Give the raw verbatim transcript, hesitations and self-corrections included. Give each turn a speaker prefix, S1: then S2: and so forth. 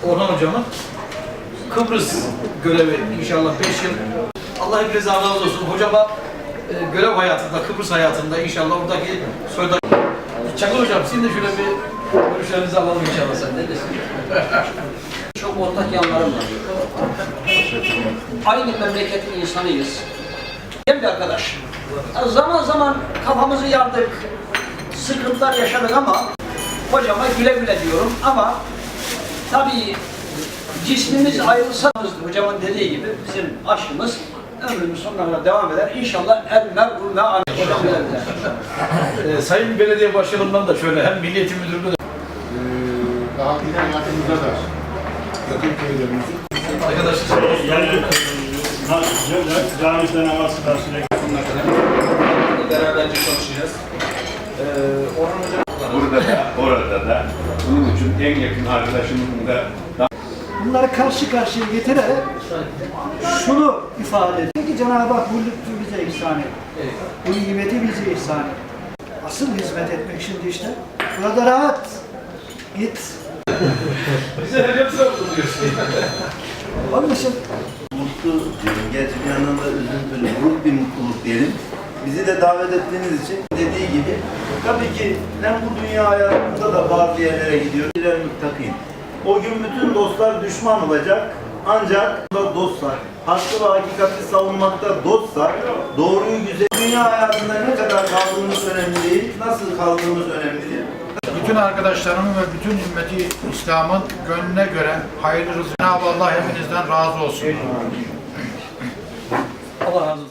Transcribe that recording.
S1: Orhan hocamın Kıbrıs görevi inşallah beş yıl. Allah hepinize razı olsun. Hocama e, görev hayatında, Kıbrıs hayatında inşallah oradaki soyda... Çakır hocam, sizin de şöyle bir görüşlerinizi alalım inşallah sen. Ne desin?
S2: Çok ortak yanlarım var. Aynı memleketin insanıyız. Hem bir arkadaş. Zaman zaman kafamızı yardık, sıkıntılar yaşadık ama hocama güle güle diyorum ama tabii cismimiz ayrılsa, hocamın dediği gibi bizim aşkımız ömrümüz sonuna kadar devam eder. İnşallah el mer'u me'al hocam güle güle.
S1: Ee, Sayın Belediye Başkanımdan da şöyle hem Milli Eğitim Müdürlüğü de
S3: Ee, daha bir hayatımızda da yakın köylerimizin
S1: arkadaşlar
S4: Yani camide namaz karşılayıp
S1: beraberce çalışacağız. Ee, Orhan hocam
S5: Burada da, orada da, bunun için en yakın arkadaşımın da
S6: Bunları karşı karşıya getirerek şunu ifade ediyor ki Cenab-ı Hak bu lütfu bize ihsan etti. Bu nimeti bize ihsan etti. Asıl hizmet etmek şimdi işte. Burada rahat. Git.
S1: bize hep sordu diyorsun.
S6: Onun için
S7: Mutlu diyorum. Gerçi bir yandan da üzüntülü, buruk bir mutluluk diyelim. Bizi de davet ettiğiniz için dediği gibi tabii ki hem bu dünya hayatında da bazı yerlere gidiyoruz. İlerimi takayım. O gün bütün dostlar düşman olacak. Ancak da dostlar, hakkı ve hakikati savunmakta dostlar, doğruyu güzel. Dünya hayatında ne kadar kaldığımız önemli değil, nasıl kaldığımız önemli değil.
S3: bütün arkadaşlarımın ve bütün ümmeti İslam'ın gönlüne göre hayırlı rızkı. Cenab-ı Allah hepinizden razı olsun.
S1: Allah razı olsun.